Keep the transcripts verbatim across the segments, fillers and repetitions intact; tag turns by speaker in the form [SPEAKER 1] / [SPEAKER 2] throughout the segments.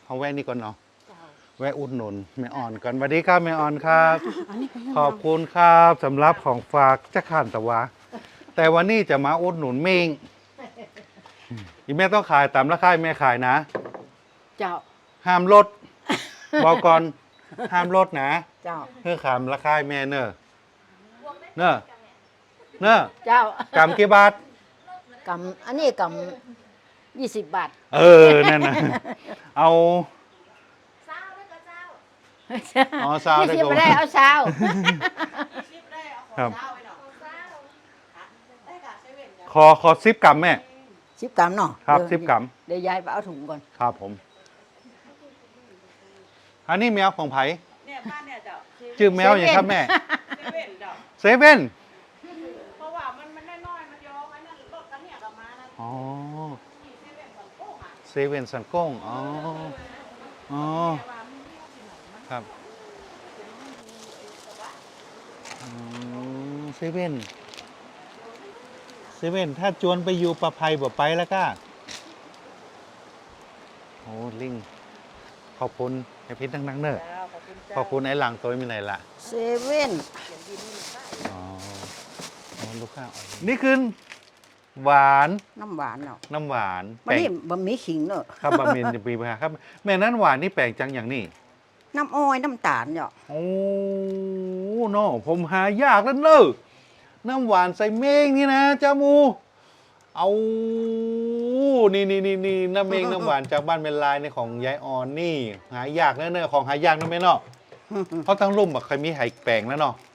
[SPEAKER 1] เอาแวะนี่ก่อนเนาะแวะอุดหนุนแม่อ่อนก่อนสวัสดีครับแม่อ่อนครับขอบคุณครับสำหรับของฝากจะขันตะวะแต่วันนี้จะมาอุดหนุนเมงอีแม่ต้องขายตามราคาแม่ขายนะ
[SPEAKER 2] เจ้า
[SPEAKER 1] ห้ามลดบอกก่อนห้ามลดนะ
[SPEAKER 2] เจ้า
[SPEAKER 1] เพื่อขามราคาแม่เนอะเนอะเนอะ
[SPEAKER 2] เจ้าก
[SPEAKER 1] ำกี่บาท
[SPEAKER 2] กำอันนี้กำยี่สิบบาท
[SPEAKER 1] เออนั่นนะเอาอ๋อซาวได้
[SPEAKER 2] ก็ไม่ได้เอาซาว
[SPEAKER 1] ครับขอขอซิปกรัมแม่
[SPEAKER 2] สิบกรัมเนาะ
[SPEAKER 1] ครับสิบกรัม
[SPEAKER 2] เดี๋ยวยายไปเอาถุงก่อน
[SPEAKER 1] ครับผมอันนี้แมวของไผ่
[SPEAKER 3] เนี่ยบ้านเนี่ยเจ้า
[SPEAKER 1] ชื่อแมวอย่างครับแม่
[SPEAKER 3] เซเว่นเจ้า
[SPEAKER 1] เซเว่น
[SPEAKER 3] เพราะว่ามันมันน้อยๆมันยองไอ้นั่นรถกันเนี่ยกับมานะ
[SPEAKER 1] อ๋อ
[SPEAKER 3] เซเว่นสังโก้งอ่ะ
[SPEAKER 1] เซเว่นสันก้งอ๋ออ๋อครับเซเว่นเซเว่นถ้าจวนไปอยู่ประภัยบ่ไปแล้วก็โอ้ลิงขอบคุณไอพิษนักๆเนอะขอบคุณไอ้หลังตัวมีไหนละ
[SPEAKER 2] เซเว่น
[SPEAKER 1] อ๋อลูกค้านี่คือหวาน
[SPEAKER 2] น้ำหวานเนาะ
[SPEAKER 1] น้ำหวาน
[SPEAKER 2] มันนี่บะหมี่ขิงเนอะ
[SPEAKER 1] ครับบะหมี่จะปีไปครับแม่นั้นหวานนี่แปลกจังอย่างนี้
[SPEAKER 2] น้ำอ้อยน้ำตาลเนาะ
[SPEAKER 1] โอ้เนาะผมหายากแล้วเนอะน้ำหวานใส่เมงนี่นะจ้ามูเอานี่นี่นี่นี่น้ำเมงน้ำหวานจากบ้านเป็นลายในของยายอ่อนนี่หายากแน่ๆของหายากนั่นไหมเนาะเพราะทั้งรุ่มอะเคยมีไห่แปลงแล้วเนาะ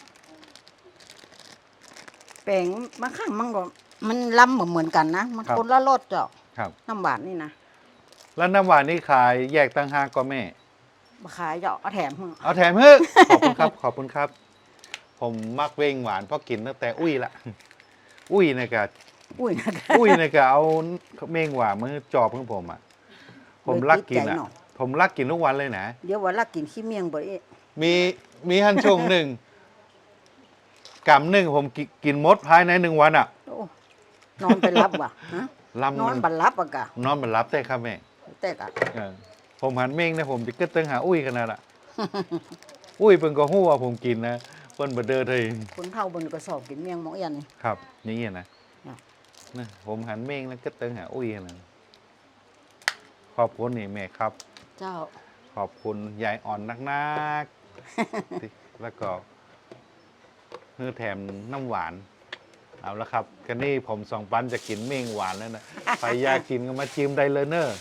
[SPEAKER 2] แปลงมะข้างมันก็มันล้ำเหมือนกันนะมันคนละรสเจ้า
[SPEAKER 1] ครับ
[SPEAKER 2] น้ำหวานนี่นะ
[SPEAKER 1] แล้วน้ำหวานนี่ขายแยกตั้งห้าก็แม่
[SPEAKER 2] มาขายเจ้าเอาแถม
[SPEAKER 1] เอาแถมเฮ้ยขอบคุณครับขอบคุณครับผมมักเว้งหวานเพราะกินตั้งแต่อุ้ยละอุ้ยนะกะ
[SPEAKER 2] อุ้ยนะ
[SPEAKER 1] อุ้ยนะกะเอาเม่งหวานมือจอบของผมอ่ะผมรักกินอ่ะผมรักกินทุกวันเลยนะ
[SPEAKER 2] เดี๋ยววันรักกินขี้เมียงบ่อย
[SPEAKER 1] มีมีฮันชงหนึ่งกำหนึ่งผมกินมดภายในหนึ่งวันอ่ะ
[SPEAKER 2] นอนไปรับว่ะนอนบันรับอ่ะกะ
[SPEAKER 1] นอนบันรับแต่ครับแม่
[SPEAKER 2] แต่กะ
[SPEAKER 1] ผมหันเม่งนะผมจะกึศตึงหาอุ้ยขนาดอ่ะอุ้ยเป็นก็หู้ว่าผมกินนะเปิ้นบดเดอร์เลย
[SPEAKER 2] คนเท่าบนกระสอบกินเมียงหมอยันนี่
[SPEAKER 1] ครับนี่นะนะผมหันเม่งแล้วก็ตึงหาอุ้ยนะขอบคุณนี่แม่ครับ
[SPEAKER 2] เจ้า
[SPEAKER 1] ขอบคุณยายอ่อนนักๆแล้วก็เนื้อแถมน้ำหวานเอาละครับกันนี่ผมสองปันจะกินเม่งหวานแล้วนะใครอยากกินก็มาจิ้มได้เลยเนอะ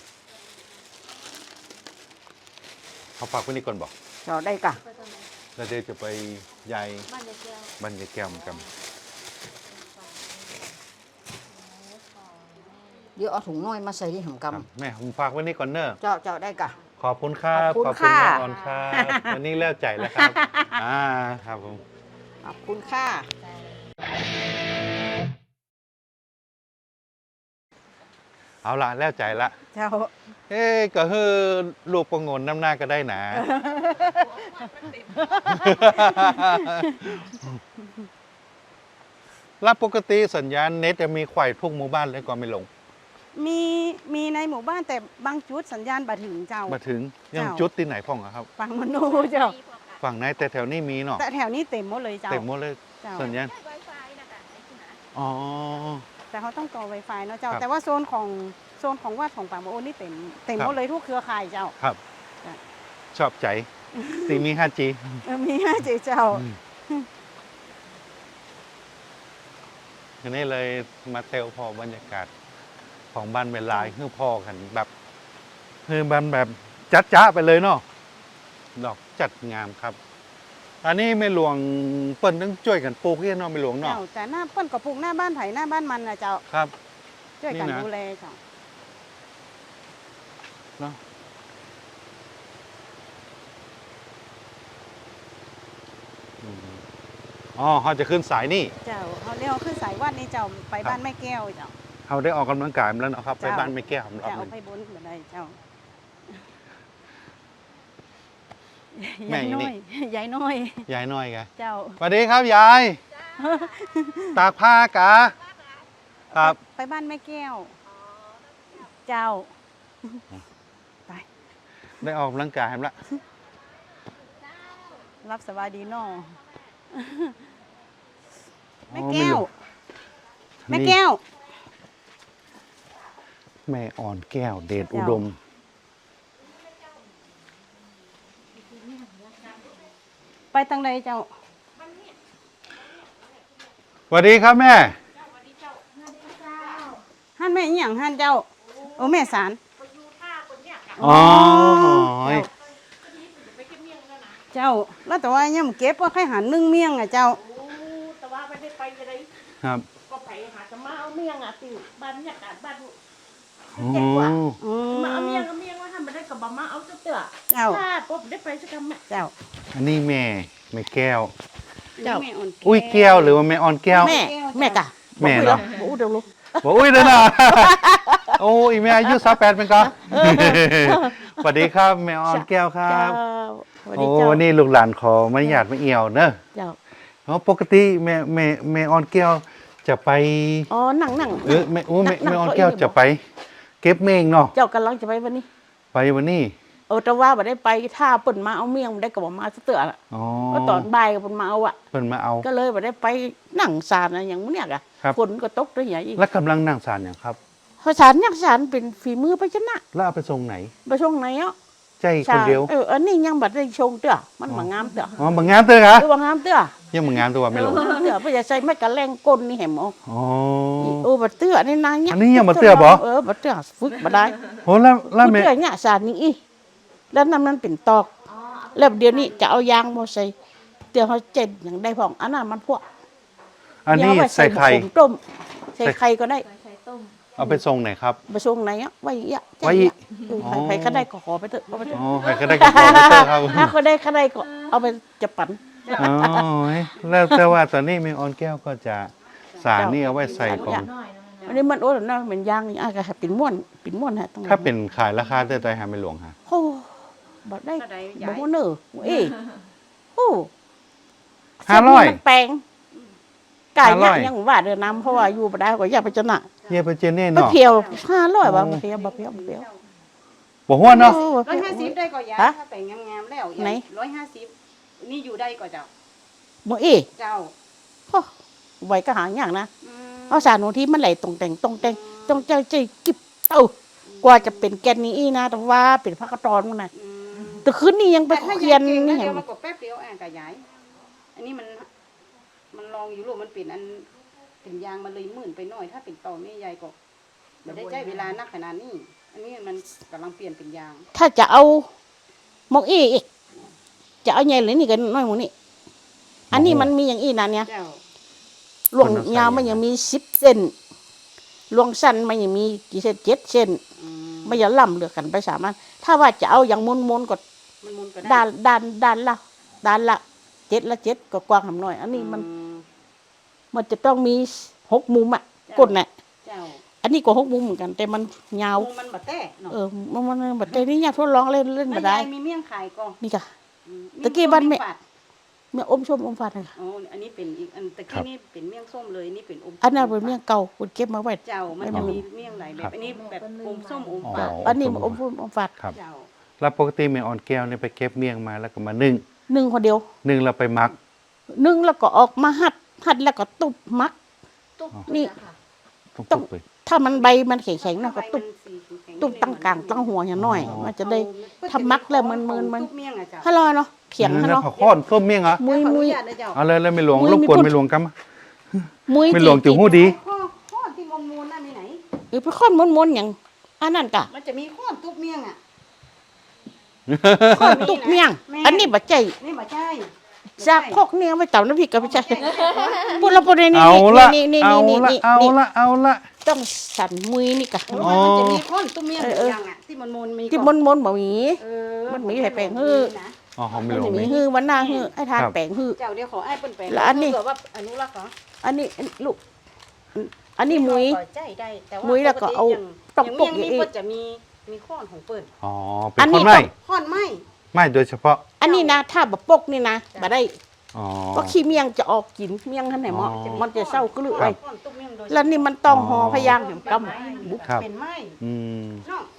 [SPEAKER 1] เขาฝากไว้นี่ก่อนบอก
[SPEAKER 2] เจ้าได้กะ
[SPEAKER 1] แล้วเดี๋ยวจะไปยายบ้านยายแก้วเหมือนกัน
[SPEAKER 2] เดี๋ยวเอาถุงน้อยมาใส่ที่หำก
[SPEAKER 1] ำแม่ผมฝากไว้นี่ก่อนเนอะ
[SPEAKER 2] เจ้าเจ้าได้กะ
[SPEAKER 1] ขอบคุณครับ
[SPEAKER 2] ขอบคุณ
[SPEAKER 1] ค่ะขอบคุณครับวันนี้เลิกใจแล้วครับอ่าครับผม
[SPEAKER 2] ขอบคุณค่ะ
[SPEAKER 1] เอาละแล้วใจละ
[SPEAKER 2] เจ้า
[SPEAKER 1] เอ๊ก็คือลูกประงนน้ำหน้าก็ได้หนาแล้วปกติสัญญาณเน็ตจะมีไขว่ทุกหมู่บ้านเลยก่อนไม่ลง
[SPEAKER 3] มีมีในหมู่บ้านแต่บางจุดสัญญาณบ่ถึงเจ้า
[SPEAKER 1] บ่ถึงยังจุดที่ไหนพ่องครับ
[SPEAKER 3] ฝั่งมโนเจ้า
[SPEAKER 1] ฝั่งไหนแต่แถวนี้มีเนาะ
[SPEAKER 3] แต่แถวนี้เต็มหมดเลยเจ้า
[SPEAKER 1] เต็มหมดเลยสัญญาณอ๋อ
[SPEAKER 3] แต่เขาต้องต่อ Wi-Fi เนาะเจ้าแต่ว่าโซนของโซนของวัดของป่าโมโอนี่เต็มเต็มหมดเลยทุกเครือข่ายเจ้า
[SPEAKER 1] ครับชอบใจตีมี ห้าจี
[SPEAKER 3] มี ห้าจี เจ้า
[SPEAKER 1] ทีนี้เลยมาเตลพอบรรยากาศของบ้านเวลาคือพ่อกันแบบคือบ้านแบบจัดจ้าไปเลยเนาะดอกจัดงามครับอันนี้ไม่หลวงเปิ้ลต้องช่วยกันปลูกที่นอนไม่หลวงเนาะ
[SPEAKER 3] แต่หน้าเปิ้ลกับปลูกหน้าบ้านไผ่หน้าบ้านมันนะเจ้า
[SPEAKER 1] ครับ
[SPEAKER 3] ช่วยกันดูแลเจ้า
[SPEAKER 1] เนาะอ๋อเขาจะขึ้นสายนี่
[SPEAKER 3] เจ้าเขาเรียกขึ้นสายวัดนี่เจ้าไปบ้านแม่แก้วเจ้า
[SPEAKER 1] เขาได้ออกกำลังกายแล้วนะครับไปบ้านแม่แก้ว
[SPEAKER 3] เจ้าไปบนเหมือนไรเจ้า
[SPEAKER 1] แม่นี่
[SPEAKER 3] ยายน้อย
[SPEAKER 1] ยายน้อยแก
[SPEAKER 3] เจ้า
[SPEAKER 1] สวัสดีครับยายตากผ้ากะครับ
[SPEAKER 3] ไปบ้านแม่แก้วเจ้าไป
[SPEAKER 1] ได้ออกกำลังกายแล้ว
[SPEAKER 3] รับสบายดีเนาะ แม่
[SPEAKER 1] อ๋อ
[SPEAKER 3] แก้ว
[SPEAKER 1] ไม่
[SPEAKER 3] แม่
[SPEAKER 1] รู้
[SPEAKER 3] แก้ว
[SPEAKER 1] แม่อ่อนแก้วเดชอุดม
[SPEAKER 3] ไปทางใดเจ้า
[SPEAKER 1] สวัสดีครับแม่
[SPEAKER 3] หันแม่อีหยังหันเจ้าโอ้แม่สาร
[SPEAKER 1] อ๋อ
[SPEAKER 3] เจ้าแล้วแต่ว่ายังเก็บว่าใครหันนึ่งเมี่ยงอ่ะเจ้า
[SPEAKER 4] แต่ว่าไม่ได้ไปจะได้
[SPEAKER 1] ครับ
[SPEAKER 4] ก็ไปหาจะมาเอาเมียงอ่ะติวบ้านเนี่ยกาศบ้าน
[SPEAKER 1] อ๋อ
[SPEAKER 3] อื
[SPEAKER 4] มาเอาเมียงเอาเมียงว่าทำไม่ได้กับบะมาเอาเตื้อ
[SPEAKER 3] เจ้า
[SPEAKER 4] ถ้าปุ๊บได้ไปสักคำอ่ะ
[SPEAKER 3] เจ้า
[SPEAKER 1] อันนี้แม่แม่แก้ว
[SPEAKER 3] เจ้าแม่อ่อน
[SPEAKER 1] อุ้ยแก้วหรือว่าแม่อ่อนแก้ว
[SPEAKER 2] แม่แม่กะ
[SPEAKER 1] แม่เหรอ
[SPEAKER 2] บอกอุ้ยเดี๋ยวรู้
[SPEAKER 1] บอกอุ้ยเด้อนะ โอ้ยแม่อายุสามแปดเป็นก็สวัสดีครับแม่อ่อนแก้วครั
[SPEAKER 2] เจ้า
[SPEAKER 1] บ
[SPEAKER 2] สวัส
[SPEAKER 1] โอ้
[SPEAKER 2] ดีเจ้า
[SPEAKER 1] วันนี้ลูกหลานขอไม่หยาดไม่เอี่ยวเนอะ
[SPEAKER 2] เจ้า
[SPEAKER 1] เพราะปกติแม่แม่แม่อ่อนแก้วจะไป
[SPEAKER 2] อ๋อนั่งนั่ง
[SPEAKER 1] เออแม่โอ้แม่
[SPEAKER 2] นั่ง
[SPEAKER 1] แม่อ่อน
[SPEAKER 2] เก้าอี้
[SPEAKER 1] แก้วจะไป เก็บเมงเนาะ
[SPEAKER 2] เจ้ากำลังจะไปวันนี้
[SPEAKER 1] ไปวันนี้
[SPEAKER 2] เออแต่ว่าบ่ได้ไปถ้าเปิ่นมาเอาเมี่ยงบ่ได้กับบ่มาซะเตื้อละ
[SPEAKER 1] อ๋อ
[SPEAKER 2] ก็ตอนบ่ายก็เปิ่นมาเอาอ่ะ
[SPEAKER 1] เพิ่นมาเอา
[SPEAKER 2] ก็เลยบ่ได้ไปนั่งศาลอะไรอย่างมื้อเนี่ยกะ
[SPEAKER 1] ครับ
[SPEAKER 2] ฝนก็ตกด้วยอย่างอีก
[SPEAKER 1] แล้วกำลังนั่งสารอย่างครับ
[SPEAKER 2] เพราะศาลยักศาลเป็นฝีมือไปชนะ
[SPEAKER 1] แล้วเอาไปส่งไหน
[SPEAKER 2] ไปช่วงไหนอ่ะ
[SPEAKER 1] ใจคนเดียว
[SPEAKER 2] เอออันนี้ยังบ่ได้ชงเตื้อมันบ่งามเตื้อ
[SPEAKER 1] อ๋อบางงามเต้อคะ
[SPEAKER 2] เออบ่งามเตื้อ
[SPEAKER 1] ยังบางงามตัวไม่รู้
[SPEAKER 2] เตื้อบ่อย่าใส่ไม้กะแรงก้นนี่แหมอ๋อ
[SPEAKER 1] อ๋อ
[SPEAKER 2] โอ้บ่เตื้อนี่นางเนี่ย
[SPEAKER 1] อันนี้ยังบ่เตื้อบ่
[SPEAKER 2] เออบ่เตื้อฝึกบ่ได้
[SPEAKER 1] โหแล้วแล้ว
[SPEAKER 2] พูด
[SPEAKER 1] แม่
[SPEAKER 2] เรื่องเนี่ยสารนี้อีแล้วน้ำมันเป็นตอก แล้วเดี๋ยวนี้จะเอายางมาใส่เดี๋ยวเขาเจ็ดอย่างได้พองอันนั้นมันพวก
[SPEAKER 1] อันนี้
[SPEAKER 2] เดี๋ยวเอาว้
[SPEAKER 1] ใส่ไข่
[SPEAKER 2] ผงต้มใส่ไข่ก็ได้
[SPEAKER 1] เอาไปส่งไหนครับ
[SPEAKER 2] ไปส่งไหนอ่ะไว้อย่างเงี้ย
[SPEAKER 1] ไว้อีก
[SPEAKER 2] เออใครใครก็ได้ก็ขอไปเถอะเอาไปเถอะ
[SPEAKER 1] อ๋อใครก็ได้กับพ่อไปเตอร์ครับ
[SPEAKER 2] ถ้าเขาได้เขาได้ก็เอาไปจะปั่น
[SPEAKER 1] อ๋อแล้วแต่ว่าตอนนี้แม่ออนแก้วก็จะสารนี่เอาไว้ใส่ของ
[SPEAKER 2] อันนี้มันโอ้ยนะมันยางนี่อ่ะก็ให้เป็นม้วนเป็นม้วนฮะต้อง
[SPEAKER 1] ถ้าเป็นขายราคาเต้ใจหาไม่หลวงฮะ
[SPEAKER 2] โอ้บ่ได้
[SPEAKER 3] เท่าใด
[SPEAKER 2] บ่
[SPEAKER 3] ยาย
[SPEAKER 2] ม้วนเนอเอ้โอ้
[SPEAKER 1] ห้าร้อย
[SPEAKER 2] มันแปลงไก่
[SPEAKER 1] ห้าร้
[SPEAKER 2] เนี่
[SPEAKER 1] อย
[SPEAKER 2] ยยังว่าเดินน้ำเพราะว่าอยู่บ่ได้ก็อยากไปจนะ
[SPEAKER 1] เฮียไปเจเน่
[SPEAKER 2] ไป
[SPEAKER 1] เนาะ
[SPEAKER 2] เพียวห้าร้อยบาทเพียวบ่เพียวบ่เพียว
[SPEAKER 1] บอกว่าเนาะ
[SPEAKER 3] ร้อยห้าสิบได้ก็ยาย
[SPEAKER 2] ฮะ
[SPEAKER 3] ถ้าแต่งงามๆแล้ว
[SPEAKER 2] ไหน
[SPEAKER 3] ร้อยห้าสิบนี่อยู่ได้ก็เจ้า
[SPEAKER 2] บ่เอ้
[SPEAKER 3] เจ้า
[SPEAKER 2] โอ้ไว้ก็หาอย่างนะ
[SPEAKER 3] อืม
[SPEAKER 2] เอาสารหนูที่มันไหลตรงแต่งตรงแต่งตรงใจใจกิบเต้ากว่าจะเป็นแกนนี้อีนะแต่ว่าเป็นพักกระตอนมันน่ะ
[SPEAKER 3] อืม
[SPEAKER 2] แต่คืนนี้ยังไป
[SPEAKER 3] แต่ถ้า
[SPEAKER 2] เคียน
[SPEAKER 3] เก่ง
[SPEAKER 2] นี่
[SPEAKER 3] นะ
[SPEAKER 2] เห็
[SPEAKER 3] เดี๋
[SPEAKER 2] น
[SPEAKER 3] ยวมันก็แป๊บเดียวอ่ะกับยาย อันนี้มัน มันลองอยู่ลูกมันเป็นอันเป็นยางมันเลยหมื่นไปหน่อย ถ้าเป็นต่อแม่ยายก็ไม่ได้ใช้เวลานักขนาดนี้ อันนี้มันกำลังเปลี่ยนเป็นยาง
[SPEAKER 2] ถ้าจะเอาหมกอีอีกจะเอาใหญ่เลยนี่กันน้อยหมูนี่อันนี้มันมีอย่างอีนะเนี่ย
[SPEAKER 3] เจ้า
[SPEAKER 2] หลวงยาวมันยังมีสิบเซนหลวงสั้นมันยังมีกี่เซนเจ็ดเซน
[SPEAKER 3] อืม
[SPEAKER 2] ไม่อย่าล่ำเหลือกันไปสามันถ้าว่าจะเอาอย่างมนมนๆก็
[SPEAKER 3] มันมุนก็ได้
[SPEAKER 2] ด้านด้านด้านละด้านละเจ็ดละเจ็ดก็กว้างหำหน่อย อันนี้มัน
[SPEAKER 3] อื
[SPEAKER 2] มันจะต้องมีหกมุมอ่ะ
[SPEAKER 3] จ้ะ
[SPEAKER 2] ก้นน่ะ
[SPEAKER 3] เจ้า
[SPEAKER 2] อันนี้ก็หกมุมเหมือนกัน แต่มันยาว
[SPEAKER 3] มุมมันบะแต้เนาะ
[SPEAKER 2] เออมันมันแบบแต่นี่อยากทดลองเล่นเล่น
[SPEAKER 3] แล้ว
[SPEAKER 2] มาได้
[SPEAKER 3] ยายมีเมี่ยงขายก็
[SPEAKER 2] นี่ค่ะ
[SPEAKER 3] อืม
[SPEAKER 2] ตะกี้บ้านแม่
[SPEAKER 3] เยงส้ฝด
[SPEAKER 2] เมี่ยงอมชมอมฝาดเลยค่ะ
[SPEAKER 3] อ๋ออันนี้เป็นอีกอันตะกี้นี่เป็นเมี่ยงส้มเลยนี่เป็นอม
[SPEAKER 2] อันนั้นเป็นเมี่ยงเก่าคุณเก็บมาไว้
[SPEAKER 3] เจ้ามัน
[SPEAKER 2] ไม่
[SPEAKER 3] จะ
[SPEAKER 2] มี
[SPEAKER 3] มีเมี่ยงหลายแบบอันนี้แบบอมส้มอม
[SPEAKER 1] อ๋อ
[SPEAKER 3] ฝาด
[SPEAKER 2] อันนี้มันอมชมอมฝาด
[SPEAKER 1] ครับ
[SPEAKER 3] เจ้า
[SPEAKER 1] แล้วปกติแม่ออนแก้วเนี่ยไปเก็บเมี่ยงมาแล้วก็มานึ่ง
[SPEAKER 2] หนึ่งคนเดียว
[SPEAKER 1] นึ่งแล้วไปมัก
[SPEAKER 2] หนึ่งแล้วก็ออกมาหัดหัดแล้วก็ตุบมัก
[SPEAKER 4] ตุ๊บ
[SPEAKER 2] นี่
[SPEAKER 1] ต้อง
[SPEAKER 2] ต้
[SPEAKER 1] ตุ
[SPEAKER 2] อง
[SPEAKER 1] กเลย
[SPEAKER 2] ถ้ามันใบมันแข็งๆนะก็ตุบ
[SPEAKER 3] ใบมันสีแข็งๆ
[SPEAKER 2] ตุบตั้งกลางตั้งหัวอย่างน้อย
[SPEAKER 1] อ๋อ
[SPEAKER 2] มันจะได้ ทำมักแล้วมันมันมัน
[SPEAKER 3] ตุ๊บเมี่ยงอะเจ้า
[SPEAKER 2] ฮัลโหลเนาะเถียงฮะ
[SPEAKER 1] แล้ว
[SPEAKER 2] เนาะ
[SPEAKER 1] ผักข้อนส้มเมี่ยงเหรอ
[SPEAKER 2] มุย
[SPEAKER 3] ขออ
[SPEAKER 2] มุ
[SPEAKER 3] นุ
[SPEAKER 2] ย
[SPEAKER 3] ญาตนะเจ้า
[SPEAKER 1] เอาเลยแล้วไม่หลวง
[SPEAKER 2] มุ้ย
[SPEAKER 1] รบ
[SPEAKER 2] มี
[SPEAKER 1] กวน
[SPEAKER 2] พูด
[SPEAKER 1] ไม่หลวงกันมา
[SPEAKER 2] มุย
[SPEAKER 1] ไม่หลวง
[SPEAKER 2] จริ
[SPEAKER 1] ติ๋วหู้ดี
[SPEAKER 3] ข้อข้อที่มมูลนั่นนี่ไหน
[SPEAKER 2] เออไปค้อนมนๆอย่างอันนั้นกะ
[SPEAKER 3] มันจะมีข้อตุ๊บเมี่ยงอะ
[SPEAKER 2] ค้อนตุกเมี่ยง อันนี้บะใจ
[SPEAKER 3] นี่มาใช่
[SPEAKER 2] จากพกเนี่ยไม่ต่ำน้ำพริกกับไม่ใช่พูดแล้วพูดนี่นี่
[SPEAKER 1] เอาละ
[SPEAKER 2] นี่นี่
[SPEAKER 1] เอา
[SPEAKER 2] นี่
[SPEAKER 1] ละ
[SPEAKER 2] นี่
[SPEAKER 1] เอา
[SPEAKER 2] นี่
[SPEAKER 1] ละเอาละ
[SPEAKER 2] ต้องสั่นมุยนี่กะ
[SPEAKER 3] อ๋อมันจะมีข้อนตุ๊บเมี่ยง
[SPEAKER 2] เออเออ
[SPEAKER 3] อย่างอะที่มันมูลมี
[SPEAKER 2] ที่
[SPEAKER 3] ก่
[SPEAKER 2] ม
[SPEAKER 3] อน
[SPEAKER 2] นมนๆบ่มี
[SPEAKER 3] เออ
[SPEAKER 2] มันมีให้แปลงฮื้อ
[SPEAKER 3] นะ
[SPEAKER 1] อ๋อหอมไม่
[SPEAKER 2] มัน
[SPEAKER 1] หลว
[SPEAKER 2] จะ
[SPEAKER 1] ง
[SPEAKER 2] มี
[SPEAKER 1] นี่
[SPEAKER 2] ฮื้อวันหน้าฮื้อไอ้ทาน
[SPEAKER 1] ครับ
[SPEAKER 2] แปลงฮื้อ
[SPEAKER 3] เจ้าเดี๋ยวขอไอ้เปิ้นแปลง
[SPEAKER 2] แล้วอันนี้
[SPEAKER 3] เผื่ว่าอนุรักษ์เหรอ
[SPEAKER 2] อันนี้อันลูกอันนี้มุย
[SPEAKER 3] ขอใจได้แต่ว่า
[SPEAKER 2] มุ้ยแล้วก็เอา
[SPEAKER 3] ปก
[SPEAKER 2] ต
[SPEAKER 3] ติ
[SPEAKER 2] บ
[SPEAKER 3] อย่าง
[SPEAKER 2] ปก
[SPEAKER 3] อย่าง
[SPEAKER 2] อี
[SPEAKER 3] เมี่ยงนี่
[SPEAKER 2] ก
[SPEAKER 3] ก็จะมีมีข้อนของเปิ้น
[SPEAKER 1] อ๋อ เป็
[SPEAKER 2] อั
[SPEAKER 1] น
[SPEAKER 2] น
[SPEAKER 1] ค
[SPEAKER 2] นี้
[SPEAKER 1] นไม่
[SPEAKER 2] ต้อง
[SPEAKER 3] ข้อนไหม
[SPEAKER 1] ไม่โดยเฉพาะ
[SPEAKER 2] อันนี้นะถ้าบะปกนี่นะบ่ได้
[SPEAKER 1] อ๋อ
[SPEAKER 2] เพราะขี้เมียงจะออกกินเมียงท่านไหนเหมาะ
[SPEAKER 1] อ๋อ
[SPEAKER 2] มันจะเศร้ากลือ
[SPEAKER 1] ค
[SPEAKER 2] ไป
[SPEAKER 1] รับ
[SPEAKER 3] ข้อนตุ๊บเมี่ยงโดย
[SPEAKER 2] แล้วนี่มันต้องห่อพยางถึงก
[SPEAKER 3] เป็นไม้
[SPEAKER 2] ำ
[SPEAKER 1] ครับ
[SPEAKER 3] เป็นไม้
[SPEAKER 1] อืม
[SPEAKER 3] น้องน้อง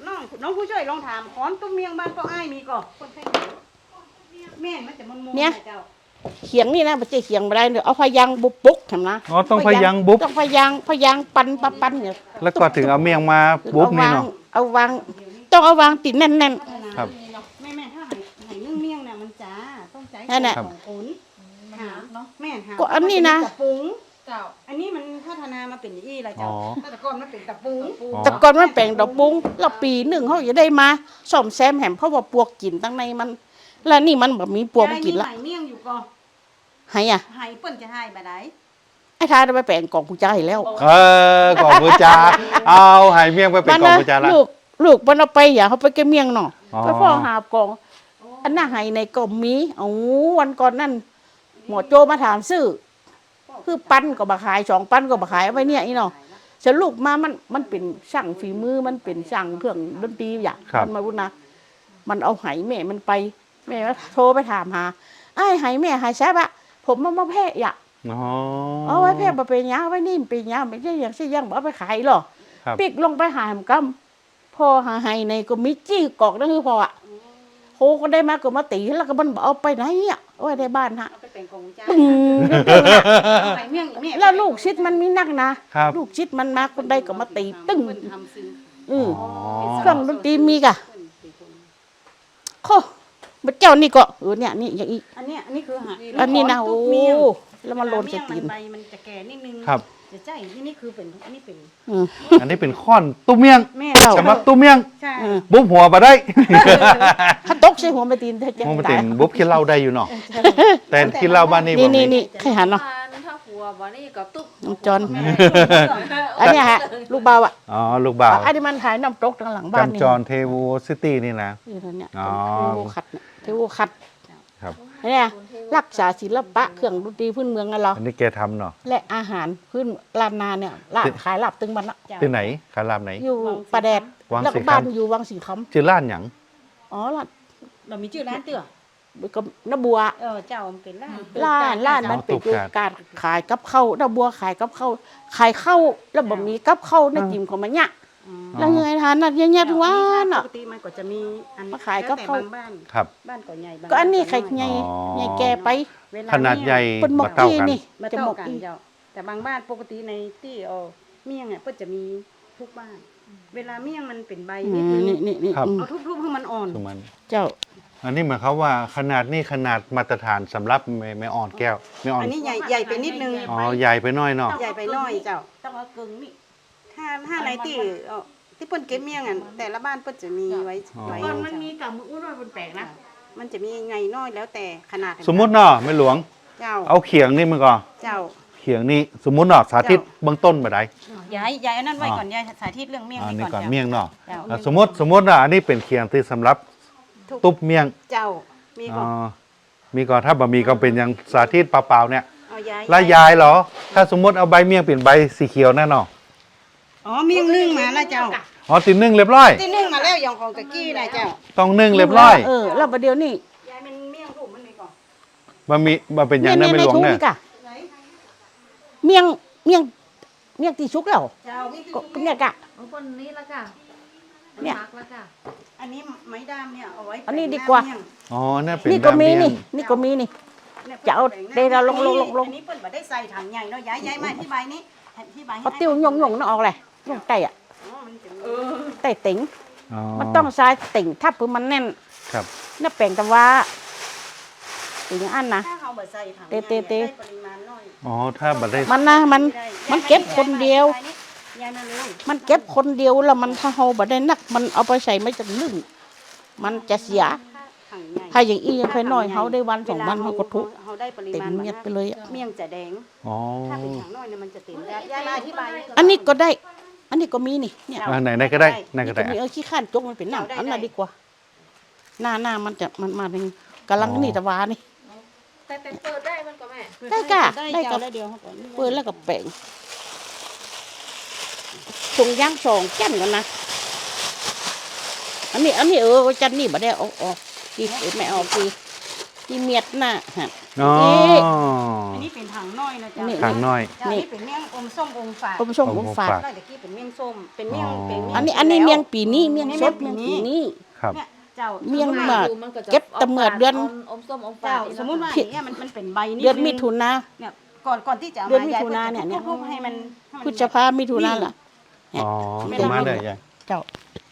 [SPEAKER 3] น้องผู้ช่วยลองถามค้อนตุ้มเมียงบ้านก็อ้ายมีก่อคนไทยแม่มันจะมันมุมเจ้า
[SPEAKER 2] เขียงนี่นะมันจะเขียงไม่ได้เดี๋ยวเอาพยางบุบปุกทำนะ
[SPEAKER 1] อ๋อต้องพยางบุ๊บ
[SPEAKER 2] ต้องพยางพยางปันปันปันเนี่ย
[SPEAKER 1] แล้วก็ถึงเอาเมียงมาบุ๊บนี่เนาะ
[SPEAKER 2] เอาวางต้องเอาวางติดแน่น
[SPEAKER 1] ครับ
[SPEAKER 3] แม่แม่ถ้าไหไหนึ่งเมียงเนี่ยมันจ้าต้องใจ
[SPEAKER 2] นั่นน่ะ
[SPEAKER 3] ของคนหาเนาะแม่หา
[SPEAKER 2] ก็อันนี้นะ
[SPEAKER 3] ตะปุงเจ้าอันนี้มันพัฒนามาเป็นอย่างอี้ละเจ้า
[SPEAKER 1] อ๋อ
[SPEAKER 3] แต่ก่อนมันเป็นตะปุง
[SPEAKER 1] อ๋อ
[SPEAKER 2] แต่ก่อนมันแปลงดอกปุ้งแล้วปีหนึ่งเขาจะได้มาซ่อมแซมแหมเพราะว่าปวกกินตั้งในมัน แล้วนี่มันแบบมีปวกกินละ
[SPEAKER 3] ยายมีไหเมียงอยู่ก่อน
[SPEAKER 2] ให้อ่ะ
[SPEAKER 3] ไหเปิ้นจะให้บ่ได้
[SPEAKER 2] ไอ้ทายได้ไปแปลงกล่องกุญแจแล้ว
[SPEAKER 1] เออกล่องบูจาเอาหายเมียงไปเป็นกล่องบูจาละ
[SPEAKER 2] ลูกลูกมันเอาไปอย่าเขาไปแกเมียงเนาะ
[SPEAKER 1] อ๋อ
[SPEAKER 2] ไปพ่อหาบกล่องอันน่ะให้ในกล่องมีเอาวันก่อนนั่นหมอโจมาถามซื้อคือปั้นก็บ่ขายสองปั้นก็บ่ขายเอาไว้เนี่ยอีเนาะสรุปมามันมันเป็นช่างฝีมือมันเป็นช่างเครื่องดนตรีอย่าง
[SPEAKER 1] ครับ
[SPEAKER 2] มันมาบุญนะมันเอาไหแม่มันไปแม่ว่าโทรไปถามหาไอ้ไหแม่หายแซ่บอะผมมามาแพ้อย่า
[SPEAKER 1] อ๋อ
[SPEAKER 2] เอาไว้แพ้มาเป็นยาไว้นี่เป็นยาไม่ใช่อย่างที่ยังบ่เอาไปขายหรอ
[SPEAKER 1] ครับ
[SPEAKER 2] ปิกลงไปหามกำพอหาไหในก็มีจี้กอกนั่นคือพออะโหก็ได้มาก็มาตีแล้วก็มันบ่เอาไปไหนอ่ะเอาไว้ในบ้านฮะ
[SPEAKER 3] เอาไปเป็นของจ้า
[SPEAKER 2] ตึง
[SPEAKER 3] ไหเมียงอีม่
[SPEAKER 2] แล้วลูกชิดมันมีนักนะครับ ลูกชิดมันมาคนใดก็มาตีตึ้ง
[SPEAKER 3] เพิ่นทำซึ้ง
[SPEAKER 2] อือ
[SPEAKER 1] อ๋อ
[SPEAKER 2] เครื่องดนตรีมีกะโคบัดเจ้านี่ก็เออเนี่ยนี่อย่างอีก
[SPEAKER 3] อันเนี้ยอันนี้คือหา
[SPEAKER 2] อันนี้นะ
[SPEAKER 3] ข
[SPEAKER 2] โอ้
[SPEAKER 3] งตุ๊กเมียง
[SPEAKER 2] แล้วมันโลน
[SPEAKER 3] เว
[SPEAKER 2] จะ
[SPEAKER 3] ลา
[SPEAKER 2] ตี
[SPEAKER 3] เมี่ยง
[SPEAKER 2] น
[SPEAKER 3] มันใบมันจะแก่นิดนึง
[SPEAKER 1] ครับ
[SPEAKER 3] จะใช่ที่นี่คือเป็นอันนี้เป็น
[SPEAKER 2] อืม
[SPEAKER 1] อันนี้เป็นข้อนตุ้มเมียง
[SPEAKER 3] แม่
[SPEAKER 2] เจ้า
[SPEAKER 1] สำหรับตุ้มเมียง
[SPEAKER 3] ใช่
[SPEAKER 2] อืม
[SPEAKER 1] บุ๊บหัวมาได้
[SPEAKER 2] ถ้าตกใส่หัวไปตีนจะ
[SPEAKER 1] มองไป
[SPEAKER 2] ตา
[SPEAKER 1] ติ
[SPEAKER 2] ย
[SPEAKER 1] นบุ๊บคิดเหล้าได้อยู่เนาะแต่คิดเหล้าบ้านนี้
[SPEAKER 2] นี่
[SPEAKER 1] บ่
[SPEAKER 2] นี่
[SPEAKER 1] มี
[SPEAKER 2] นี่ใครหันเนาะ
[SPEAKER 5] ถ้าหัววันนี้ก็ตุ๊บ
[SPEAKER 2] น้องจอนอันเนี้ยฮะลูกเบาอ่ะ
[SPEAKER 1] อ๋อลูกบ่าว
[SPEAKER 2] อันนี้มันถ่ายน้ำตกทางหลังบ้านนี่
[SPEAKER 1] จำจรเทวูซิตี้นี่นะ
[SPEAKER 2] นี่เท่าเนี่ย
[SPEAKER 1] อ๋อ
[SPEAKER 2] เทวูขัดเนี่ยเทวูขัด
[SPEAKER 1] ครับ
[SPEAKER 2] เนี่ยรักษาศิลปะเครื่องดนตรีพื้นเมืองกันเรา
[SPEAKER 1] อันนี้แกทำเนาะ
[SPEAKER 2] และอาหารพื้นลานนาเนี่ยลาบ
[SPEAKER 1] ที่
[SPEAKER 2] ขายลาบตึงมันละ
[SPEAKER 1] ที่ไหนคารามไหน
[SPEAKER 2] อยู่ประแดด
[SPEAKER 1] วัง
[SPEAKER 2] แล้ว
[SPEAKER 1] สี
[SPEAKER 2] ก็
[SPEAKER 1] คำ
[SPEAKER 2] บ้านอยู่วังสีค
[SPEAKER 1] ชื่อร้านหยัง
[SPEAKER 2] ำอ๋อร้าน
[SPEAKER 3] เรามีชื่อร้านเตื้อ
[SPEAKER 2] ก็น้าบัว
[SPEAKER 3] เออเจ้ามันเป็นร้าน
[SPEAKER 2] ร้านร้านมันเป็นอยู่การขายกับข้าวน้าบัวขายกับข้าวขายข้าวแล้วบ่มีกับข้าวในจิมของมันเนี่ยแล้วยังไงทานน่ะเยอะๆทุกวัน
[SPEAKER 3] ป
[SPEAKER 2] อ่ะ
[SPEAKER 3] กติมันก็จะมีอัน
[SPEAKER 2] มาขายกับ
[SPEAKER 3] แล้วแต่
[SPEAKER 2] ข้าว
[SPEAKER 3] บางบ้าน
[SPEAKER 1] ครับ
[SPEAKER 3] บ้านก็ใหญ่บาง
[SPEAKER 2] ก็อันนี้ไข่
[SPEAKER 3] บ้า
[SPEAKER 2] ใหญ่
[SPEAKER 1] อ๋อ
[SPEAKER 2] ใหญ่แก่ไป
[SPEAKER 3] เวล
[SPEAKER 1] ขนาดใหญ่
[SPEAKER 2] เป็นหมก
[SPEAKER 1] มาเท่า
[SPEAKER 2] ที่
[SPEAKER 1] กัน
[SPEAKER 2] นี่
[SPEAKER 3] มา
[SPEAKER 2] จะหม
[SPEAKER 3] เท่าก กัน
[SPEAKER 2] อี
[SPEAKER 3] เจ้าแต่บางบ้านปกติในที่เอาเมี่ยงเนี่ยเพิ่นจะมีทุกบ้าน เวลาเมี่ยงมันเป็นใบ
[SPEAKER 2] อื
[SPEAKER 3] นิด
[SPEAKER 2] ม
[SPEAKER 3] นึง
[SPEAKER 2] นี่นี่นี่
[SPEAKER 1] ครับ
[SPEAKER 2] อืม
[SPEAKER 3] เอาทุบๆให้มันอ่อน
[SPEAKER 1] คือมัน
[SPEAKER 2] เจ้า
[SPEAKER 1] อันนี้หมายความว่าขนาดนี่ขนาดมาตรฐานสำหรับไม่ไม่อ่อนแก้วไม่อ่อน
[SPEAKER 3] อันนี้ใหญ่ใหญ่ไปนิดนึง
[SPEAKER 1] อ๋อใหญ่ไปหน่อยเนาะ
[SPEAKER 3] ใหญ่ไปหน้อยเจ้า
[SPEAKER 2] ต้องเอากึ่งนี่
[SPEAKER 3] ถ้าถ้าในที่เอ่อที่เปิ้นเก็บเมี่ยงอ่ะแต่ละบ้านเปิ้นจะมีไว้ไว้
[SPEAKER 4] ก่อนมันมีกับมืออุ้นว่าเป็นแปลกนะ
[SPEAKER 3] มันจะมีไงน้อยแล้วแต่ขนาด
[SPEAKER 1] สมมุติเนาะไม่หลวง
[SPEAKER 3] เจ้า
[SPEAKER 1] เอาเขียงนี่มันก่อน
[SPEAKER 3] เจ้า
[SPEAKER 1] เขียงนี่สมมุติเนาะสาธิตเบื้องต้นมาได้
[SPEAKER 3] ย้ายย้ายอันนั้นไว้
[SPEAKER 1] อ๋อ
[SPEAKER 3] ก่อนย้ายสาธิตเรื่องเมี่ยง
[SPEAKER 1] อัน
[SPEAKER 3] ไว้
[SPEAKER 1] นี้
[SPEAKER 3] ก่อน
[SPEAKER 1] ก่อน
[SPEAKER 3] เจ้า
[SPEAKER 1] เมี่ยงเนาะ
[SPEAKER 3] เจ้า
[SPEAKER 1] อ่ะสมมติสมมติอ่ะอันนี้เป็นเขียงที่สำหรับ
[SPEAKER 3] ทุก
[SPEAKER 1] ตุ๊บเมี่ยง
[SPEAKER 3] เจ้ามี
[SPEAKER 1] อ๋
[SPEAKER 3] ก่
[SPEAKER 1] อ
[SPEAKER 3] อน
[SPEAKER 1] มีก่อนถ้าบะมีก็เป็นอย่างสาธิตเปล่าๆเนี่ย
[SPEAKER 3] เอาย้าย
[SPEAKER 1] แล้วยายเหรอ ถ้าสมมติเอาใบเมี่ยงเปลี่ยนใบสีเขียวแน่นอน
[SPEAKER 3] อ๋อเมี่ยงนึ่งมาแล้วเจ้า
[SPEAKER 1] อ๋อติดนึ่งเรียบร้อย
[SPEAKER 3] ที่นึ่งมาแล้วอย่างของตะกี้นะเจ้า
[SPEAKER 1] ต้องนึ่งเรียบร้อย
[SPEAKER 2] เออแล้วประเดี๋ยวนี้
[SPEAKER 3] ย้ายมันเมี่ยงถูกมันมีก่อน
[SPEAKER 1] บะมีบะเป็นอย่างนั้นไม่หลวง
[SPEAKER 2] ใน
[SPEAKER 1] เนี่ย
[SPEAKER 2] ถุกะเมี่ยงเมี่ยงเมี่ยงตีชุกแล้ว
[SPEAKER 3] เจ้ามี
[SPEAKER 2] ก็ก็เนี่ยกะ
[SPEAKER 5] บางคนนี้ละค่ะ
[SPEAKER 2] เนี่ย
[SPEAKER 5] มักละค่ะ
[SPEAKER 3] อันนี้ไม้ด้ามเนี่ยเอาไว้
[SPEAKER 2] อันนี้ดีกว่า
[SPEAKER 3] แปะหน้เมี่ยง
[SPEAKER 1] อ๋อนั่นเป็น
[SPEAKER 2] นี่ก็มี
[SPEAKER 1] น้ำเมี่ย
[SPEAKER 2] นี่
[SPEAKER 1] ง
[SPEAKER 2] นี่ก็มีนี่
[SPEAKER 3] นี่ย
[SPEAKER 2] จะเอา
[SPEAKER 3] แปะหน้
[SPEAKER 2] เดยวเราลงลงลงลง
[SPEAKER 3] อันนี้เปิ้นบ่ได้ใส่ถังใหญ่เนาะย้ายย้ายมาที่ใบนี้ที่ใบ
[SPEAKER 2] เอาติ้วหยงหยงนั่นออกเลยหยงไต่อะ
[SPEAKER 3] อ๋อมันจะมี
[SPEAKER 2] ไต่ติ๋ง
[SPEAKER 1] อ๋อ
[SPEAKER 2] มันต้องใช้ติ่งถ้าปืนมันแน่น
[SPEAKER 1] ครับ
[SPEAKER 2] น่าแปลงแต่ว่าติ่งอันนะ
[SPEAKER 3] ถ้าเอาบ่ใส่ถัง
[SPEAKER 2] เตะเตะเตะ
[SPEAKER 3] ได้ปริมาณน้อย
[SPEAKER 1] อ๋อถ้าบัได้
[SPEAKER 2] มันนะมันมันเก็บคนเดียว
[SPEAKER 3] ย้ายมาเลย
[SPEAKER 2] มันเก็บคนเดียวแล้วมันถ้าเฮาบ่ได้นัก มันเอาไปใส่ไม่จะนึ่งมันจะเสีย
[SPEAKER 3] ถังใหญ่
[SPEAKER 2] ถ้าอย่างอี้ยังค่อยน้อยเฮาได้วันสองวันเฮาก็ทุก
[SPEAKER 3] เฮาได้ปริ
[SPEAKER 2] เต็ม
[SPEAKER 3] มาณ
[SPEAKER 2] เมียดไปเลยอะ
[SPEAKER 3] เมี่ยงจะแดง
[SPEAKER 1] อ๋อ
[SPEAKER 3] ถ้าเป็นถังน้อยเนี่ยมันจะเต็มได้ย้ายมาที่ใบ
[SPEAKER 2] อันนี้ก็ได้ อันนี้ก็มีนี่เนี่ย
[SPEAKER 1] อ่าไหนไหนก็ได้ไหนก็
[SPEAKER 2] นี่
[SPEAKER 1] ได้
[SPEAKER 2] ก็มีเออขี้ข้านจกมันเป็นหนังอันนั้นดีกว่า หน้าหน้ามันจะมันมาเป็นกำลังนี่ตะวานี่
[SPEAKER 5] แต่แต่เปิดได้มันก็แม่
[SPEAKER 2] ได้กะ
[SPEAKER 3] ได้
[SPEAKER 2] ได้
[SPEAKER 3] เจ้า
[SPEAKER 2] กับ
[SPEAKER 3] ได้เดียวเขาก่อน
[SPEAKER 2] เปิดแล้วก็แปลงถุงย่างสองจันกันนะ อันนี้ อันนี้เออจันนี่บ่ได้เออกออกกี่เออไม่เออกกี่กี่เมียดหน้าฮะ
[SPEAKER 1] อ๋อ
[SPEAKER 3] อันนี้เป็นถังน้อยนะเจ้า
[SPEAKER 2] นี่
[SPEAKER 1] ถังน้อย
[SPEAKER 3] เจ้านี่เป็นเมี่ยงอมส้มอมฝาด
[SPEAKER 2] อมชมอมฝาด
[SPEAKER 3] ได้ตะกี้เป็นเมี่ยงส้มเป็นเมี่ยง
[SPEAKER 1] อ๋อ
[SPEAKER 3] เป็นเมี่ยง
[SPEAKER 2] อันนี้อันนี้เมียงปีนี้เมียงสด
[SPEAKER 3] เมี่
[SPEAKER 2] เมี
[SPEAKER 3] ย
[SPEAKER 2] ย
[SPEAKER 3] ง
[SPEAKER 2] ง
[SPEAKER 3] ปี
[SPEAKER 2] ปี
[SPEAKER 3] นี้
[SPEAKER 2] นี้
[SPEAKER 1] ครับ
[SPEAKER 3] เนี่ยเจ้า
[SPEAKER 2] เมี่ยง หมาก
[SPEAKER 5] ดูนจะ
[SPEAKER 2] เก็บแต่เมื่อเดือน
[SPEAKER 5] อมส้มอมฝา
[SPEAKER 3] เจ้า
[SPEAKER 5] ด
[SPEAKER 3] สมมุติว่า
[SPEAKER 2] ผิด
[SPEAKER 3] อย่างเงี้ยมันมันเป็นใบนี่
[SPEAKER 2] เดือนมิถุนา
[SPEAKER 3] เนี่ยก่อนก่อนที่จะเอา
[SPEAKER 2] เดือน
[SPEAKER 3] มา
[SPEAKER 2] มิ
[SPEAKER 3] ยาย
[SPEAKER 2] ถุนาเนี่ยเนี่ย
[SPEAKER 3] ทุบๆให้มันให้มัน
[SPEAKER 2] พฤษภามิถุนาล่ะ
[SPEAKER 1] อ๋อ
[SPEAKER 2] ไม่
[SPEAKER 1] ประ
[SPEAKER 2] ได้
[SPEAKER 1] มาณเลยยาย
[SPEAKER 2] เจ้า